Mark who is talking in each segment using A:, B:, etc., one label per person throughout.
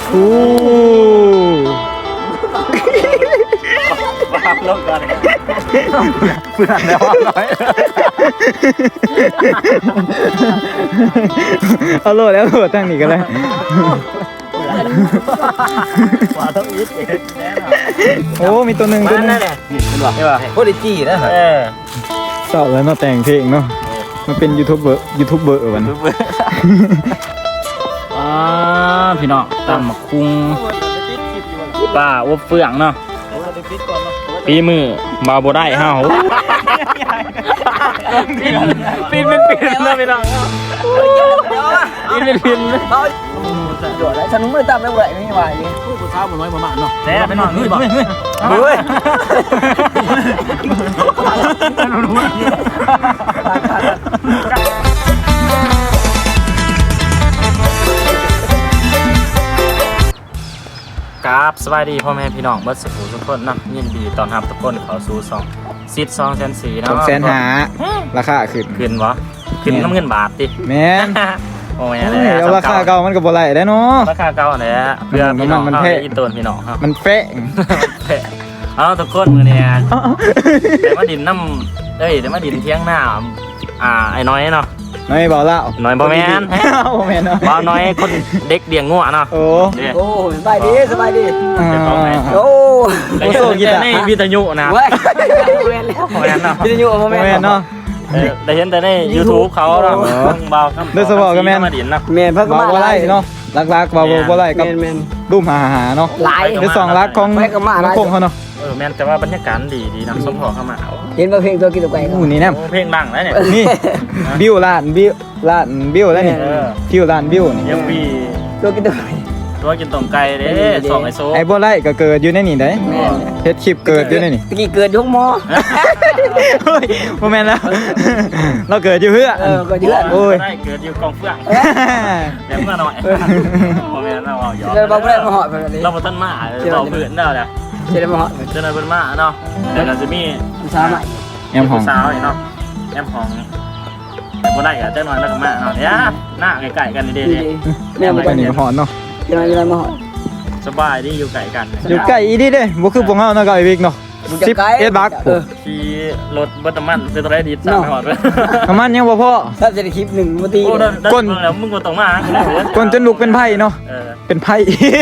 A: โอ้
B: วางลงก่อนเพื่อนแล้วน้อย
A: เอาโหลดแล้วโหลดตั้งนี่กันเลย
B: ว่าต้องยึดเองแน่นอน
A: โอ้มีตัวหนึ่งตัวนึง
B: เป็นว่าใช่ป่ะโคตรจี้นะ
A: สอบแล้วเนาะแต่งเพลงเนาะมันเป็นยูทูบเบอร์วัน
B: พี่น้องตำหมักคุ้งป้าอบเฟืองเนาะปีมือบาโบได้ห้าวปีนเป็นปีนนะพี่น้องปีนเป็นปีน
C: หยดแล้วฉันไม่ตามแล้วไหวไม่ไหวเลย
B: ผู้สาวมันน้อยมาเนาะแต่พี่น้องเฮ้ยเฮ้ยครับสวัสดีพ่อแม่พี่น้องเบิร์ดสุขุทุกคนนะยินดีตอนรับทุกคนเข้าสู่ซิด200,000เนาะ
A: 200,000ราคาขึ้น
B: วะขึ้นน้ำเงินบาทดิ
A: แม่น
B: โอ้ย
A: เอาราคาเก่ามันก็บ่ไหลได้เนาะ
B: ราคาเก่าเนี่ยเพื่อพี่น้องเขาอินโตนพี่น้องครับ
A: มันแพง
B: เอาทุกคนมือเนี่ยเดี๋ยวมาดินน้ำเดี๋ยวมาดินเที่ยงหน้าไอ้น้อยเนาะ
A: น้อยเบาแล้ว
B: น้อยบ่แม่น
A: บ่แม่นเนาะ
B: เบาน้อยคนเด็กเลี้ยงงัวเนาะ
A: โอ้
C: สบายดีสบายดีโอ้
B: โซ่กีตาร์ในวิทยุนะ
C: เว้ยเว้นแล้ว
B: แม่นเนาะ
C: วิทยุบ่แม่น
A: เนาะ
B: ได้เห็นแต่ใน YouTube เขาเนาะเบาครับ
A: ด้วยสบอกกับแม่
B: มาดินเนาะ
C: แม่นเพิ่นก็มา
A: ไล่เนาะลักๆเบาบ่ไล่กับรูปหาเนาะ
C: หลาย
A: คือ2ลักของคงเขาเนาะ
B: แม่นแต่ว่าบรรยากาศดีนะสมพอเข้ามา
C: เห็นเพลงตัวกินตัวไก่
A: อู้นี่แน่
B: เพลงดังแล้วเนี่ย
A: นี่บิวล้านแล้วนี่คิวล้านบิวนี่
B: ยังมี
C: ตัวกินตัวไก่
B: ตัวกินต้มไก่เด้สองไอโซ
A: ไอ้บ่ไล่ก็เกิดอยู่ในนี่ได้เฮ็ดคลิปเกิดอยู่ในนี่
C: ตะกี้เกิดยกหม้อ
A: เฮ้ยบ่แม่นแล้วเราเกิดอยู่เพื่อ
C: เกิดอยู่
B: โอ้ยเกิดอยู่กองเฟืองแล้วมาหน่อยบ่แม่นเราเอาหยอก
C: เราบ่ได้มาหอดเพิ่นนี่
B: เราบ่ทันมาเราเพื่อนแล้วเนี่ย
C: จะได้มาหอด
B: จะได้เพิ่นมาเนาะแล้วก็จะมี
C: สาวใหม่
A: แอมของ
B: สาวเนาะแอมของแต่บ่ได้ก็จักหน่อยแล้วก็มาเนาะเนี่ยหน้าใกล้ๆกันนี่เด้
A: แม่บ่ไปนี่ก็หอนเนาะ
C: จะมาหอด
B: สบายดีอยู่ไกลกัน
A: อยู่ใกล้อีดีเด้บ่คือพวกเฮาเนาะก็ไอ้วิกเนาะ11บัก
B: ขี่รถบัตรมันเป็นอะไรดีสั่งหอดเลย
A: ประมาณยังบ่พอ
C: ถ้าจะได้คลิป1นาที
B: ก้นแล้วมึงก็ต้องมา
A: ก้นจนลุกเป็นไผ่เนาะเป็นไผ่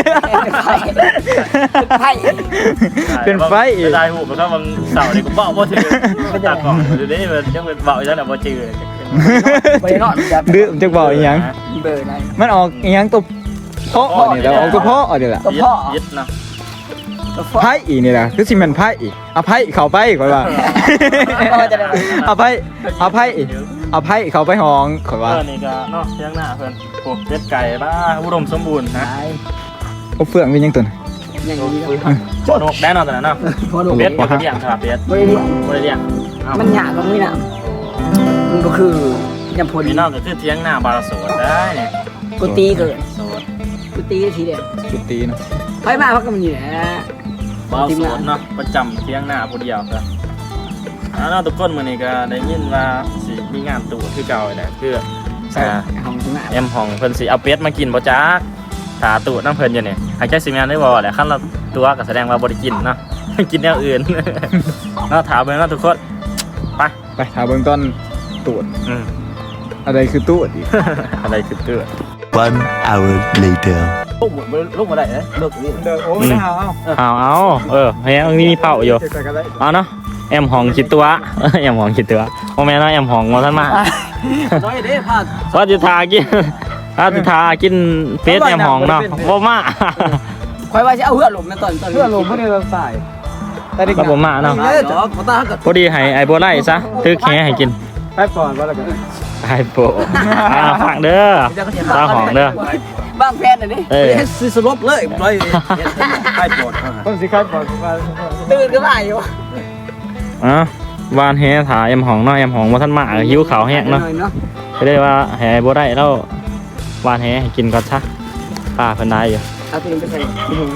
A: เป็นไผ่
B: ได้หูเพราะว่าบางเสาร์นี่กูเบาบ่ถือตัดก่อนเดี๋ยวนี้มันยังเป็นเบาอยู่แล้วบ่จืด
A: ดื้อมันจะเบาอีหยังมันออกอีหยังตัวเพาะนี่แล้วออกตัวเพาะเดี๋ยวล่ะ
B: ยึดเนาะ
A: ไพ่อีนี่แหละคือสิมันไพ่อีเอาไพ่เข้าไปก่อนว่าเอาไพ่เข้าไปห้องก่อนว่า
B: นี่ก็เนาะเที่ยงหน้าเพิ่นโอ้เป็ดไก่บ้าอุดมสมบูรณ์นะ
A: โอ้เฟื่องเป็นยังตัวน่ะ
C: อย่างนี้
B: พอนกแน่นอนแต่เนาะเป็ดบ่ได้เลี้ยงครับเป็ดบ่ได้เลี้ยง
C: มันยากตรงนี้น่ะมันก็คือยำพล
B: นี่นอกก็คือเที่ยงหน้าบาราโสดได้เนี่ย
C: กูตีเกินกูตีทีเดียว
A: กูตีเนาะ
C: ไฟมาพักกันมันอยู่แหละ
B: บาราโสดเนาะประจำเที่ยงหน้าผู้เดียวครับเนาะทุกคนมื้อนี้ก็ได้ยินว่าสิมีงานตู่คือเก่าแหละคือแอมห้องเพิ่นสิเอาเป็ดมากินบ่จักถาตู่น้ำเพิ่นอยู่นี่หากจักสิแม่นได้บ่แหละคันเราตัวก็แสดงว่าบ่ได้กินเนาะกินแนวอื่นเนาะถามเบิ่งเนาะทุกคน
A: ไปถามเบิ่งตอนตูดอะไรคือตูดอีก
B: อะไรคือตูด
D: 1 hour later
B: ลูกมาได้เด้ลูกนี่
A: โอ้ไม่เอา
B: เฮ้ยอันนี้มีเป่าอยู่เอาเนาะแอมห้องคิดตัวแอมห้องคิดตัวโอ้แม่เนาะแอมห้องบ่ทันมา
C: น้อยเด้พาด
B: ว่าสิทากินเฟสแอมห้องเนาะบ่มา
C: ข่อยว่าสิเอาเหือหลมแม่ตอน
A: เหือหลมบ่ได้รับสาย
B: ก็บ่มาเนาะพอดีให้ไอ้บ่ไล่ซะถือแขให้กิน
A: ไปก่อนว่าแล้วกัน
B: ไอ้โปฟังเด้อตาหองเด้อ
C: บ้างแพนอันนี้
B: สิสลบเลยเลยไอ้โป
A: ต้นสิครับบอก
C: ตื่นก็มาอยู่
B: วานแห่ถ่าแอมหองเนาะแอมหองบ่ทันมาหิวข้าวแห้งเนาะก็ได้ว่าแห่บ่ได้แล้ววานแห่ให้กินก่อนซะป้าเพิ่นได้อยู่
C: เอาตัวนี้ไปใส่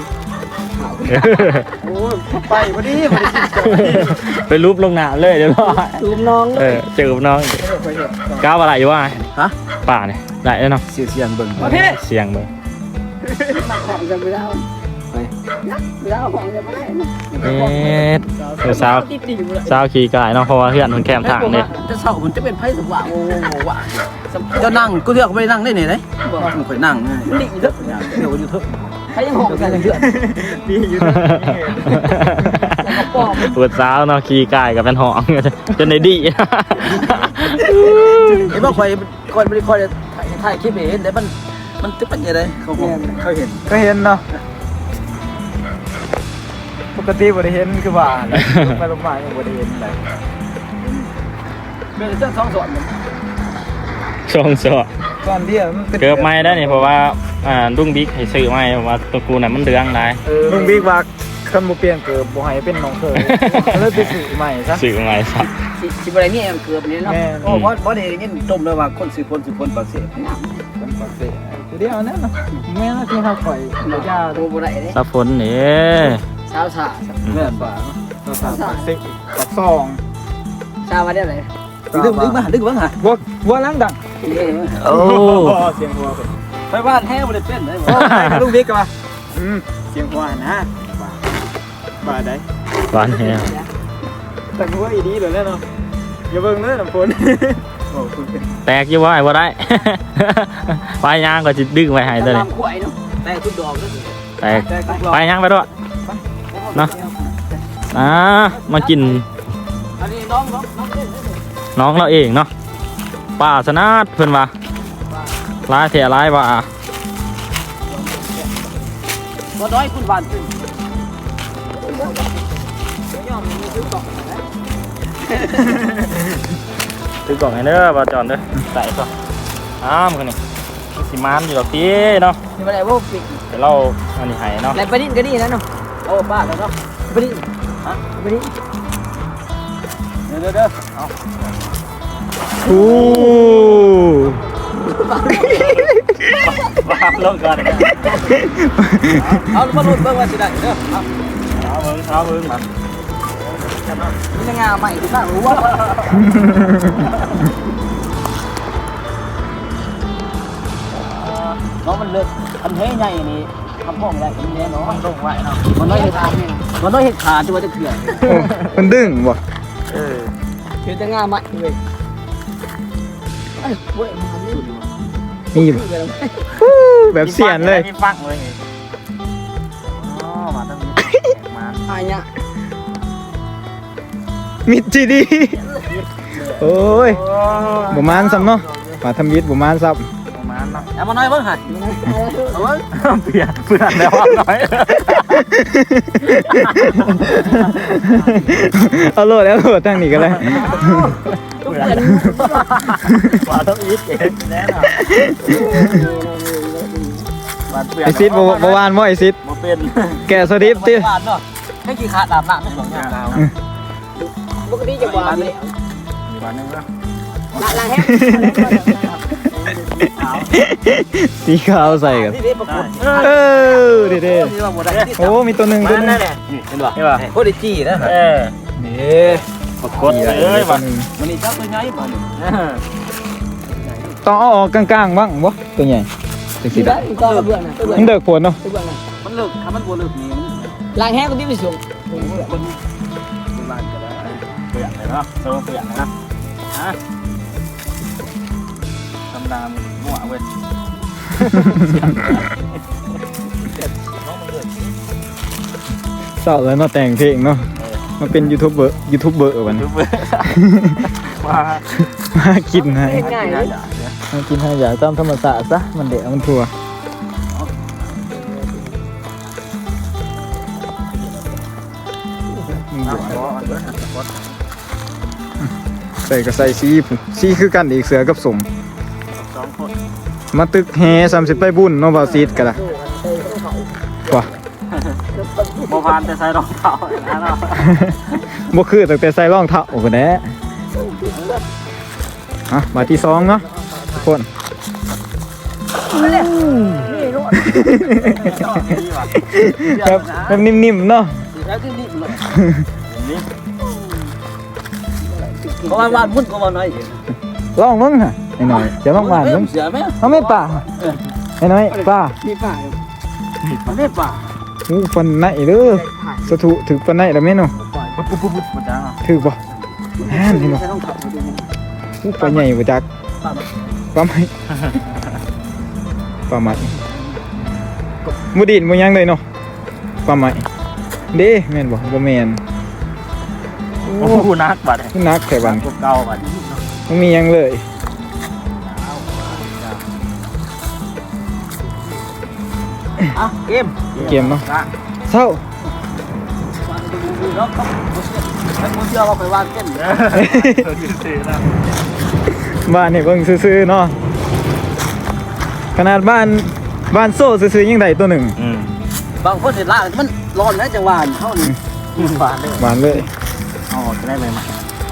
A: โอ้ไปพอดี
B: ไปรูปลงหน้าเลยเดี๋ยวรอ
C: จูบน้อง
B: จูบน้องก้าวอะไรอยู่วะป่าเนี่ยได้แล้วเนาะ
A: เสียงเบิ่ง
B: เสียงเบิ่ง
C: มาของจะไม่ได้ไม่ได้ของจะไม่ได้
B: เดี๋ยวสาวขี่กายเนาะเพราะว่าเพื่อนมันแคมทางเนี่ย
C: จะเศร้ามันจะเป็นไพ่สว่างโอ้โหว่ะจะนั่งกูเรียกไม่ได้นั่งได้ไหนเลยมันค่อยนั่งดิ่งเถอะเดี๋ยวอยู่เถอะให้ยังหงกันเยอะ
A: ดีอยู่
B: ปวดสาวเนาะขี่กายกับเป็นหองจนในดี
C: ไอ้บ้าคอยไม่ได้คอยถ่ายคลิปเห็นแต่มันจะเป็นยังไงเขาเห็น
A: ก็เห็นเนาะปกติบ่ได้เห็นคือว่าไปลงมายังบ่ได้เห็นเลย
C: เป็นเส้นสองส่วน
B: ช่วงสอบ
A: ตอนเดียวมันเป็น
B: เกือบไม่ได้นี่เพราะว่าลุงบิ๊กให้ซื้อไม่เพราะว่าตัวกูน่ะมันเดืองหลาย
A: ลุงบิ๊กว่าคันบ่เปลี่ยนเกิดบ่ให้เป็นน้องเคยก็เลยไปซื้อใหม่ซะ
B: ซื้อไม่ซะ
C: สิบอะไรนี่เกือบนี้เนาะโอ้เพราะเดี๋ยวนี้ต้มเลยว่าคน10 คนปากเสีย
A: คนปกติเดี๋ยวนั้นเนาะแม่น่าสิเฮาข่อยบ่ยา
C: โอ้โหอะไรเนี่ย
B: สะฝนนี่
C: สาวสา
A: แม่นบ่เราสามปักซิปักซอง
C: สาวมาได้ไหนดึงบ้างฮะ
A: วัวล้างดัง
B: โอ้
A: เสียงวัวเป็น
C: ไปบ้านแห้งบริเวณได้
A: โอ้ไปลุงบิ๊กกันป่ะเสียงวัวนะบ่าได้
B: หวานแฮะ
A: แต่วัวอีดีเลยเนาะอย่าเบิ่งเลยน้ำฝนโอ้คุณ
B: แตกอยู่ว่าไอ้บ่ได้ ปลายยางก็จะดึงไว้ให้ตัวนี้
C: ตามขวายเนาะแต่ทุกดอกเลย
B: แตกปลายยางไปด้วยเนาะมากิน
C: อันนี้น้อง
B: น้องเราเองเนาะป่าสนาดเพิ่นว่าร้ายแท้ร้ายว่า
C: บ่น้อยคุณหวานขึ้น
B: ถือกล่องให้เด้อบ่าวจอนเด้อใส่ก่อนคนนี้สิมานอยู่ดอกตีเนาะ
C: นี่มันอะไรว่าปิด
B: เดี๋ยวเราอันนี้ให้เนาะ
C: แล้วไปดิ้นก็ดีนะเนาะโอ้บ้าแล้วเนาะไปดิ้นฮะไปดิ้นเด้อเอา
A: โอ้
B: บ้าลงก่อน
C: เอามาลุ้นเบิ่งว่าสิได้เด้อเอา
B: เอาเบิ่งมา
C: นี่งาใหม่ที่บ้านรู้ว่าน้องมันเลิกทำเท่ใหญ่นี่ทำพ่อไม่ได้ทำเท่เนาะลงไว้เนาะมันน้อยเห็ดขามันน้อยเห็ดขาจะว่าจะเถื่อน
A: มันดึงบ่
C: เห็ดจะงาใหม่เลยเอ้ยเว้ยมันนี่
A: นี่แบบเสียนเลย
B: มีฟังเลยอ๋อมาตรงนี้มา
C: อายเนี่ย
A: มิดจีดีโอ้ยบ่มานซ้ำเนาะมาทำมิดบ่มานซ้ำ
B: ประมาณเนาะ
C: เอามาหน่อยเบิ่งหัดเอาเบิ่ง
B: เพื่อนแล้วว่าน้อย
A: เอาโหลดแล้วโหลดตั้งนี่ก็ได้
B: ว่าต้องอีทเองแน่นอน
A: ไอซิดบ่วานบ่ไอซิด
B: บ่เป็น
A: แกะสดิปติ
C: หวานเนาะให้กี่ขาดอาบน้ำไม่หลงยาวปกติจะหวานเลย
B: มีวันนึงเนาะ
C: ล้างแห้ง
A: สีขาวใส่กัน
C: นี่เด้ปกติ
A: เออเด้ๆโอ้มีตัวหนึงตัวหนึง
C: เห็นป่ะ
B: ใช่ป่ะ
C: โคตรจี้นะ
A: นี่
B: ปรากฏเลยว่ะ
C: มันนี่เจ้าตัวใหญ่ป่ะ
A: ต้องเอาออกกลางๆบ้างบ่ตัวใหญ่จังซี่
C: ได้ก็เบื่อนะเบื่อ
A: มันเดือกผลเนาะ
C: เบื่อนะมันเลิกถ้ามันบ่เลิกนี่ล้างแห้งก็ที่ไปส่งคนล้างก็ได้
B: เปลี่ยนเลยเนาะโซ่เปลี่ยนเลยนะฮะตำดามมั่วเว้ย
A: เศร้าแล้วเนาะแต่งเพลงเนาะมาเป็นยูทูบเบอร์วันนี้ มากินให้
C: ง่ายเลย
A: มากินให้อย่าตามธรรมศาสตร์ซะมันเดะมันทัวใส่ก็ใส่สีคือกันอีกเสือกับสม
B: 2 คน
A: มาตึกแฮ30ไปบุญเนาะบ่าวซีดกันล่ะว่ะ
B: บ่ผ่านแต่ใส่รองเท้านะเนาะ
A: บ่คือตั้งแต่ใส่รองเท้าโอ้โหแน่มาที่2เนาะทุกคนแบบนิ่มๆเนาะ
C: แล้วที่นี่เลย
B: นี่
C: เพราะว่าพุ่นก็ว่าน้อย
A: ลองมึงฮะไอ้หน่อยจะลองหวานมึง
C: เสือไหม
A: เขาไม่ป่าไอ้หน่อยป่า
C: มีป่ามันได้ป่ะ
A: อู้ฟันไหนเด้อสะถุถึกฟันไหนแล้วแม่เนาะ
B: ปุ๊บมันจังอ่ะ
A: ถึกบ่อ่านนี่เนาะ
C: ต้องขับไปดู
A: อู้ปลาใหญ่บ่จักปลาไหมปลาไหมบ่ดินบ่ยังเลยเนาะปลาไหมเด้แม่นบ่บ่แม่น
B: โอ้โหนักบัด
A: นักแค่บัด
B: เก่าบัด
A: บ่มีหยังเลยเกมเนาะเศร้า
C: แล้วก็มึงเชื่อว่าไปวางเต้น
A: บ้านนี่เบิ่งซื่อๆเนาะขนาดบ้านโซ่ซื่อๆยังได้ตัวหนึ่ง
C: บางคนเห็นล่ามันร้อนนะจังหวะเท่านี้บานเลย
A: หวานเลย
B: อ๋อจะได้ไหมมา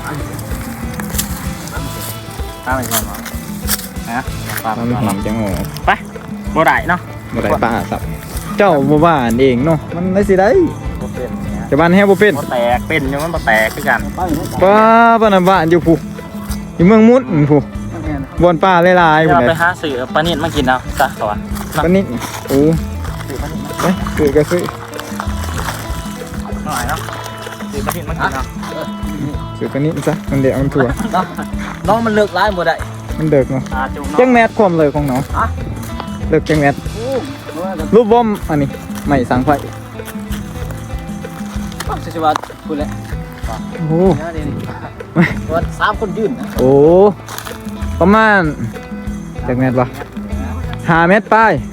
B: ตั้งไปก่อนเนาะนะปลา
A: มัน
B: ก่อน
A: หอ
B: เนาะ
A: มจังโง่
B: ไปบ่ได้เนาะ
A: บ่ได้ป้าสับเจ้าบ่บ้านเองเนาะมันได้สิได้
B: บ่เป็นเนี่ย
A: แต่บ้านแฮบ่เป็น
B: บ่แตกเป็นอยู่มันบ่แตกคือกัน
A: ป้าบ้านน่ะบ้านอยู่ผู้อยู่เมืองมุดผู้บ่อนป่าหลายๆ
B: เดี๋ยว
A: พุ่น
B: เราไป
A: น่ะ
B: หาซื้อปลานิดมากินเอาซะเขาว่า
A: ปานนี้โอ้ไปซื้อก็ซื้อ
B: หน่อยเนาะซื้อปลานิดมากินเอา
A: ซื้อปานนี้ซะมันเดี๋ยวมันถั่ว
C: น้องมันเลิกร้ายหมดได้
A: มันเดึกเนาะ
B: จุ่ม
A: จัง
B: เนาะ
A: แมทความเลยของน้องเลิกจังแมทรูปบอมอันนี้ไม่สังไฟ
C: สิว่าคุณแหละ
A: โอ้
C: วัน3 คนยืน
A: โอ้ประมาณจากเมตรปะ5 เมตรป้าย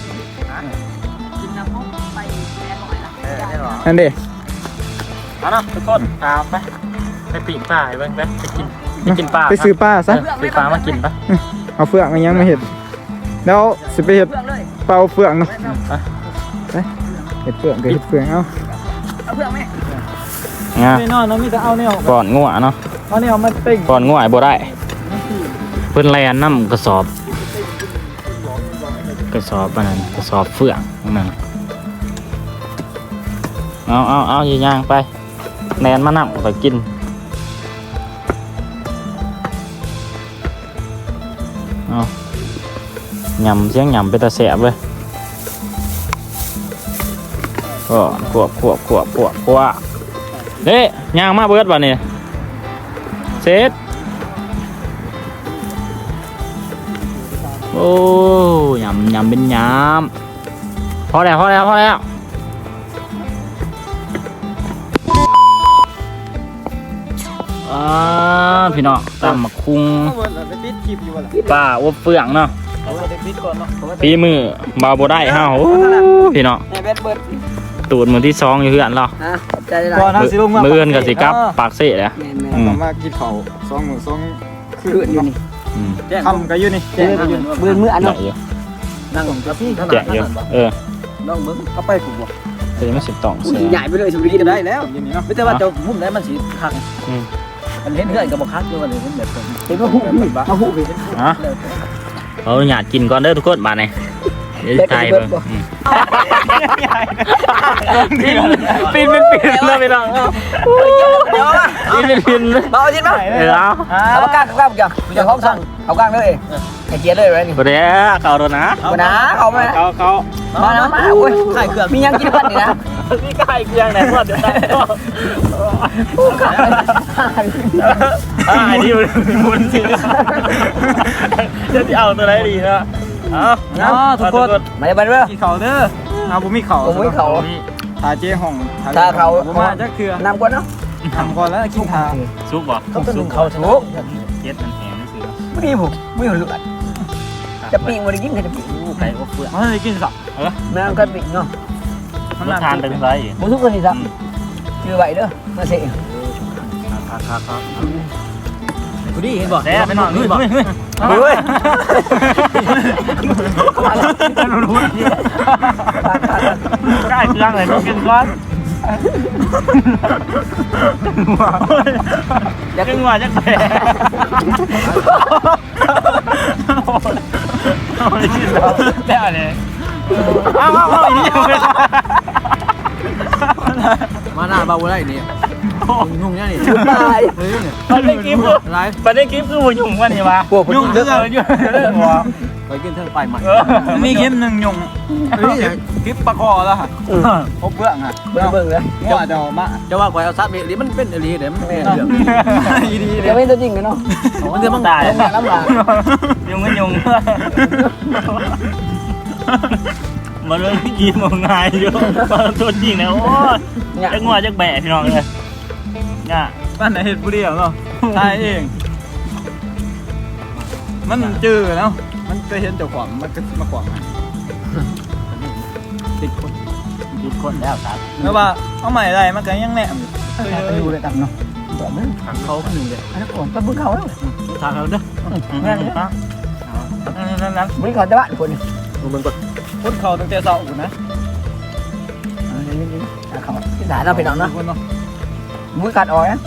A: นั่นดิ
B: เอาเนาะทุกคนตามไปปีกปลาไปไปกินปลา
A: ไปซื้อป้าซะ
B: ซื้อปลามากินปะ
A: เอาเฟืองมายังไม่เห็นแล้วสิไปเห็ดเป่าเฟืองเนาะไปเห็ดเฟืองก็เห็ดเฟืองเอา
C: เอาเพื่อนไหม
B: งา
A: ไม่นอนเนาะมีแต่เอาเนี่ย
B: ก่อนงัวเนาะ
A: เอาเนี่ยมาเต็ง
B: ก่อนงัวไอ้บ่ได้เพิ่นแลนน้ำกระสอบอันนั้นกระสอบเฟืองนั่นเอาย่างไปแลนมานั่งไปกินเอายำเสียงยำไปตาแสบเลยก็ขวบเฮ้ยย่างมาเบิดวันนี้เสร็จโอ้ยำเป็นยำพอแล้วพี่น้องตำหมักคุ้งป้าอบเฟืองเนาะปีมือบาวโบได้ห้าโอ้พี่น้อง
C: แม่เบ็ดเบิด
B: ตูดมือที่2อยู่เพื่อนเรา
C: ใจได้
A: ก่อนนะสิลงมา
B: มือเอื้อนกับสิกับปากเสะเลย
C: แม่
A: ต้องมากินข้าว2 มื้อ2
C: คืออยู่นี่
A: คำก็อยู่นี่
C: แจ้งมืออัน
B: ให
C: นั้
B: ญ่
C: น
B: อยู่
C: นั่งกาแฟ
B: แจกอยู่
C: น้องมึงเขาไปกูบ่
B: แต่ยังไม่สิบต่อง
C: กู
B: เสีย
C: ใหญ่ไปเลยสุริยได้แล้ว
A: อยู่นี่เนาะ
C: ไม่ใช่ว่าจะมุ่งได้มันสิคักมันเห็นเพื่อนกับบ่คักด้วยมันเห็นแบบเห็นว่าหูเอาหูไป
B: เอาหยาดกินก่อนเด้อทุกคนมาเนี่ยเดี๋ยวไทยเบิ่งปีนเลยไปลองปีน
C: เบาจริงมั้ย เอาปากกาข้าวกันจะห้องสั่งเอากลางเลยไอ้เกียร์เลยไรนี่
B: บ่ได้เขาโดนนะ
C: กูนะเขาไหม
B: เขา
C: มานะมาโอ้ยไข่เกลือมียังกินกันนี่นะ
B: นี่ไก่เกลืองไหนหมดเดี๋ยวได้ไอ้ที่มุนสิจะเอาตัวไหนดีนะทุกคน
C: มาเลยไปเลย
A: กินข้าวเด้อเอาบ่มีข้าว
C: ผมไม่เขา
A: ทาเจ๊ห้อง
C: ถ้าเขา
A: บ่มาจักเทื่อน
C: ำก่อนเนาะ
A: ทำก่อนแล้วกินทา
B: ซุปบ่
C: เขาต้องดึงเขาถูก
B: เก็ดมันแห้งสิ
C: ไม่มีผมไม่เลือดจะปีวันนี้กินจะปี
B: ไก่อบเฟือง
A: เฮ้ยกินสัก
C: แม่ก็ปีเนาะ
B: มันทานเป็นไร
C: มุทุกคนสิครับชื่อไหวเด้อมาเสีย
A: กูดีเห็นบ่
B: แซ่ไปนอนนู่นบ่
C: เฮ้ย
B: ไก่เกลืองเลยต้องกินก่อนอยากกินว่าจะแพ้ได้เลยเอาอีนี่ยังไม่
C: มาหน้าเบาได้นี่ยุ่งเนี่ยนี่ตาย
B: ประเด็นคลิปคือประเด็นคลิปคือหัวยุ่งวันนี้วะยุ่งเรื่องยุ่งเรื่องหัว
C: ไปกินเทิงไปใหม่
A: มีคลิปหนึ่งยงคลิปปลาคอแล้วค่ะพบเบื้องค่ะ
C: เบิ่งเลย
A: ง้อเดามา
C: จะว่าก๋วยเอาซับนี่มันเป็นอะไรเดี๋ยวมันเป็นเรื่อง
A: ดี
E: เดี๋ยวไม่ตัวจริงกันเนาะ
C: มันเดี๋ยวมันตาย
E: ลำบาก
B: ยุงก็ยุงมาเรื่องที่กินมองง่ายอยู่มาตัวจริงนะโอ้ยจักงัวจักแบะพี่น้องเลยเนี่ย
A: ปั้นในเห็ดบุรีเนาะตายเอง มันจืดเนาะมันเคยเห็นเจ้าของมันก็มาขวางติดคน
B: กินคนแล้วครับ
A: แล้วว่าเอาใหม่อะไรมันก็ยังแหนม
E: ไปดูเลยต่ำเนาะแบบนั้น
C: เขาขึ้นหนึ่งเลย
E: อันนั้นผมก็บึ้งเขาแล้ว
C: ทางเขาเด้อ
B: นั่นปะนั่น
E: บึ้งเขาจะบ้านคน
C: มันก็
A: คนเขาตั้งแต่เช้าอยู่นะ
E: เขาที่สายเราไปนอนเนาะ
A: คนเนาะ
E: มุ้ยกัดอ่อยนะ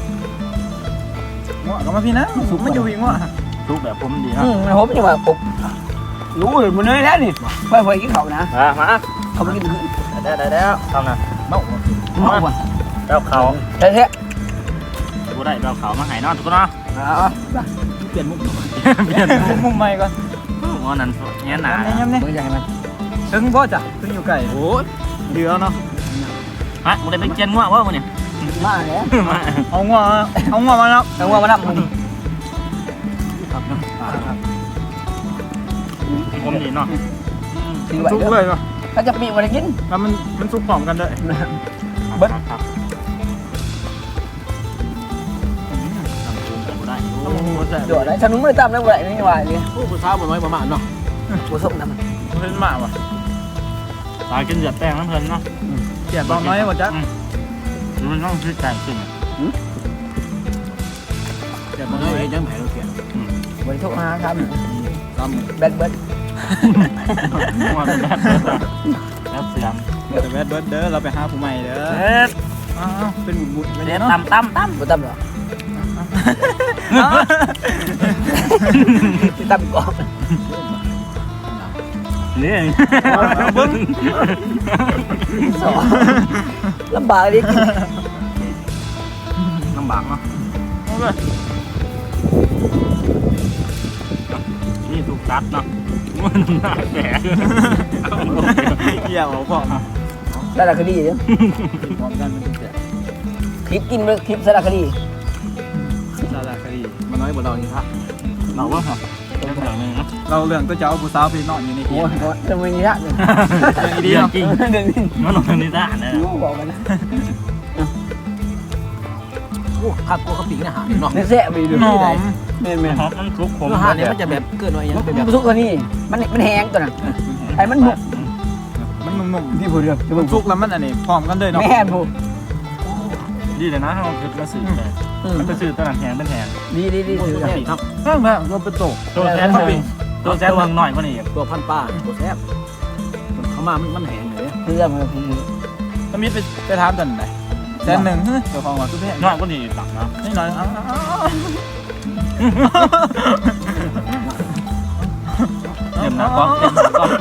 A: ง้อก็มาพี่นะสุกมันอยู่อีกง้อ
B: ทุกแบบผมดีครับ
E: มันผมอยู่แบบปุ๊บรู้เลยมันเลยแล้วนี่ไปกินเขานะ
B: มา
E: เขาไปกินขึ้น
B: ได้เข้านะ
A: เนาะ
E: เมาว่ะ
B: แล้วเขา
E: เท่
B: บูได้เราเขามาหายนอนทุกคนเนาะ
C: เปลี่ยนมุกหน่อย
A: เปลี่ยนมุมใหม่ก่อน
B: วันนั้นเงี้ยหนา
A: ย้ำเนี่ย
E: มือใหญ่มัน
A: ถึงพ่อจ้ะถึงอยู่ไก่โอ้ยเดือเนาะ
B: ฮะบูได้ไปเจียนงัวว่าวันนี้
E: มาแล้ว
B: มา
A: เอาง้อมาแล้ว
E: แต่ว่ามันนับมึง
B: ผมดีเนาะ
E: ถือไว้
A: สุก
E: เด้อ
A: เลยเนาะ
E: เขาจะปีวันกิน
A: แล้วมันสุกพร้อมกันด้วย
B: ครับบูได้
E: เดี๋ยวอะไรฉันมึงไม่ได้ตามแล้วอะไรนี่ว่าเนี่ย
C: ผู้สาวบ่น้อยประมาณเนาะ
E: กูส่งน้ำมัน
A: เพิ่นมาว่ะ
B: ตายกินเดือดแป้งน้ำเพลินเนาะ
A: เปลี่ยนบองน้อยหมดจ้ะ
B: มันต้องซื้อไก่ขึ้น
C: เดี๋ยวมันน้อยยังแผลเราเปลี่ยน
E: บริโภคอาหารครับ
C: ตาม
E: แบดเบิร์ด
B: งัวเป็นแบบแล้วเสียม
A: แต่แวดเบิร์ดเด้อเราไปหาผู้ใหม่เด้อ
B: เด็ด
A: อ้าวเป็นบุญๆไป
B: เด็
A: เนี่ย
B: ด
A: เนาะ
B: ตั้ม
E: กูตั้มเหรอที่ตั้มก่อน
B: นี่
A: เบิ้ง
E: สองลำบากเลยกิน
B: ลำบากเนาะนี่ถูกตัดเนาะมันหน้าแก่
A: เกี่ยวพ่อ
E: สารคดีเนาะ
A: พร้อมกันมันจะ
E: คลิปกินเลยคลิปสารคดี
A: สารคดี
C: มันน้อยบ่เรานี่ครับ
B: เราว่าเป็นอย่างนึงนะ
A: เราเรื่องก็จะเอาผู้สาวไปนอนอยู่ในที่
E: โอ้ยจะไม่ยากเลย
A: ดีเนาะ
B: จริง
E: เรื่องนี้
B: มันลงนิสานนะ
E: บอกกันนะ
C: โอ้ขับกูเขาปีกนะหาเนาะ
E: เนื้อแซ่บไปดู
A: หอ
E: ที่ไหน
A: ม
E: แม่น
B: หอมมันคลุกขม
C: เนื้อหาเนี่ยมันจะแบบเกินหน่อยยังเป็นแบบ
E: มันสุกกว่านี้มันแห้งตัวนั้นไอ้มันหนุก
A: มันนุ่ม
E: พี่ผู้เดียว
A: ๆมันสุกแล้วมันอันนี้พร้อมกันเลยเนาะ
E: แม่ผู้
B: ดีเลยนะเราคือมาสื่อเลยมันเป็นสื่อตลาดแทนเป็นแทน
E: ดีดีดี
C: ตัวแซ่บครับ
A: แม่งแม่งเราเป็นโต
B: ตัวแทนหนึ่งตัวแทนหนึ่งหน่อยกว่านี้
C: ตัวพันป้าตัวแซ่บเขามามันแห้งเลย
E: เรื่องมันคือ
A: ก็มิดไปถามกันไหนแสนหนึ่งเจ้าของว่าคือแพง
B: หน่อยกว่านี้ตักนะ
A: นี่หน่อย
B: เต็มนะก้อนเต็มนะก้อน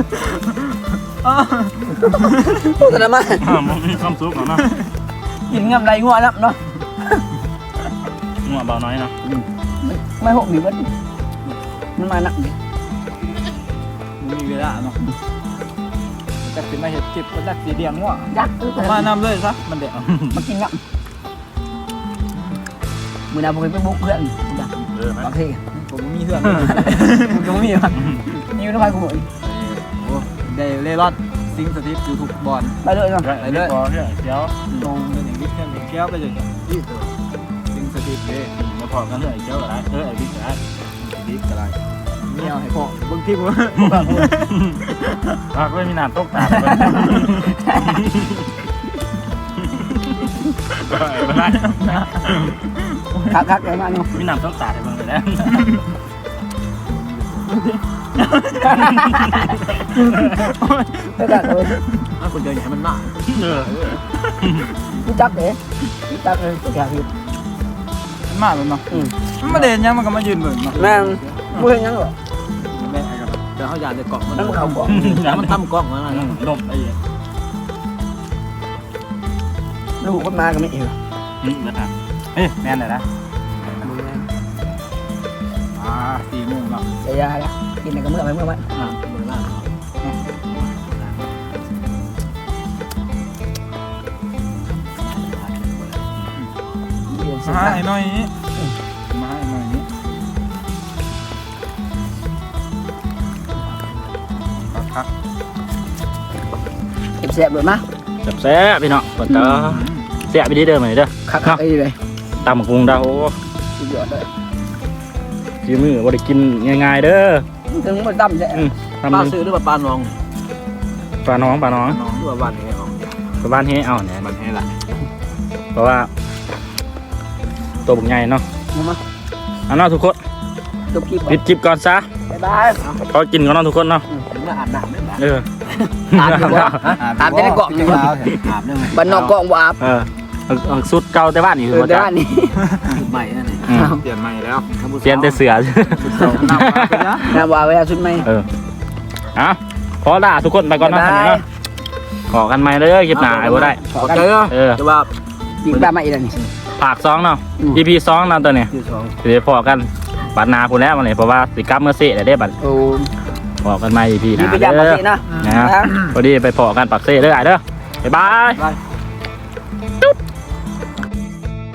E: โฆษณามา
B: มันมีความสุขเนาะ
E: กินงำไรงัวแล้วเนาะ
B: งัวเบาน้อยเนาะ
E: ไม่หกหนีมันมาหนักดิ
A: มีเวลาเนาะจะขึ้นมาเห็ดคลิปก็จะสีเดียงว่ะ
E: ยักษ์
A: มานำเลยซะมันเด็ก
E: มากินงับมือนาผมไปบุกเพื่อน บางที
A: ผมมีเพื่อน
E: มึงก็ไม่มีมันยิ้วน้ำลายกูหมด
A: โอ้ได้เล่ร่อนซิงสถิตอยู่ทุกบอล
E: ไปเลยเนาะ
B: ไปเลยเดี๋ยว
A: ลงเป็นอย่างนี้เพื่อนเป็นแก้วไปเลยยี่ตัวซิงสถิตเลย
B: มาพอกันเลยเดี๋ยวอะไรไอ้บิ๊กอะไร
A: บิ๊กอะไรเนี่ยให้พ่อบางทีผม
B: ปากไม่มีน้ำตกตาไปไม่ได้
E: คักเลยมาเนาะ
B: มีน้ำตกตาไปบ้างเลยนะ
E: ไปกันเลย
C: ถ้าคนเดินให้มันมาก
E: รู้จักเลยรู้จักเลยตัวแกพี่
A: มากเลยเนาะมันมาเด่นยังมันก็มายืนเบิ่งเนาะ
E: แม่งไม่เห็นยังหรอ
A: แม่กัน
C: เดี๋ยวเขาอยากจะเกาะมัน
E: นั่นมันเขาบอก
C: มันตั้มกล้องมา
B: ลมไอ้
E: ลูกคนมาก็ไม่เอ๋
B: นะครับเฮ้ยแม่นเลยนะ
A: 4 โมงแล้ว
E: จะยาละ
A: ม
C: กินอะไรก็เมื่อไว้
A: มาให้หน่อยมาให้หน่อยนี้พัก
C: เก็บแซ่บเลยมั้ย
B: แซ่บพี่น้องเปิดตาแซ่บไปดีเด้อมาเด้อ
C: คักไอ้เลย
B: ตำกุ้งดาว
C: สุดยอดเลย
B: ฝีมือบ่ได้กินง่ายๆเด้อ
C: ถึงมันตั้มแท้
B: ทำ
C: ปลา
B: เป็น
C: ซื้อหรือปลาน้อง
B: ปลาน้อง
C: น้องหรือว่าบ้านนี้ของ
B: ปลาบ้านเฮเอาเนี่ย
A: มันให้ละ
B: เพราะว่าตัวบุกใหญ่เนาะ
C: มา
B: เอาเนาะทุกคน
C: จบคลิป
B: ปิดคลิปก่อนซะ
C: บ๊ายบาย
B: พอกินก่อนเนาะทุกคนเนาะ
C: ถึงมาอาบน้ำได้ไหม
B: เออ
C: อาบดีกว่าอาบได้เกาะหนึ่ง
E: อาบได้ไหม
C: บ้านนอกเกาะว่าอาบ
B: เออเอาสุดเก่าแต่บ้านนี่คือมา
C: เดิ
B: จาก
C: นนี่
E: ใหม่นั่นเอง
A: เปลี่ยนใหม่แล้ว
B: เปลี่ยนแต่เสือ
C: น้ำว่าเวลาชุดไหม
B: เออเอาขอลาทุกคนไปก่อนเนาะ
C: บ๊ายบาย
B: เนาะขอกันใหม่เด้อคลิปหน้าไอ้บ่ได้
C: ขอกัน
B: เออ
C: จะว่าดีบ้ามาอีกแล้วนี่
B: ภาค2เนาะ EP 2เนาะตัวนี้
C: ที่สอง
B: สิได้พอกันบัดหนาพุ่นแล้วมาเลยเพราะว่าสิกลับเมื่อเสร็จได้บัด
C: โอ้
B: พอกันใหม่ EP ห
C: ดี
B: น้า
C: ไปยามมา
B: เด้อ
C: สินะ
B: นะพอดีไปพอกันปักเสร็จเด้อไอ้เด้อบ๊ายบาย
C: บาย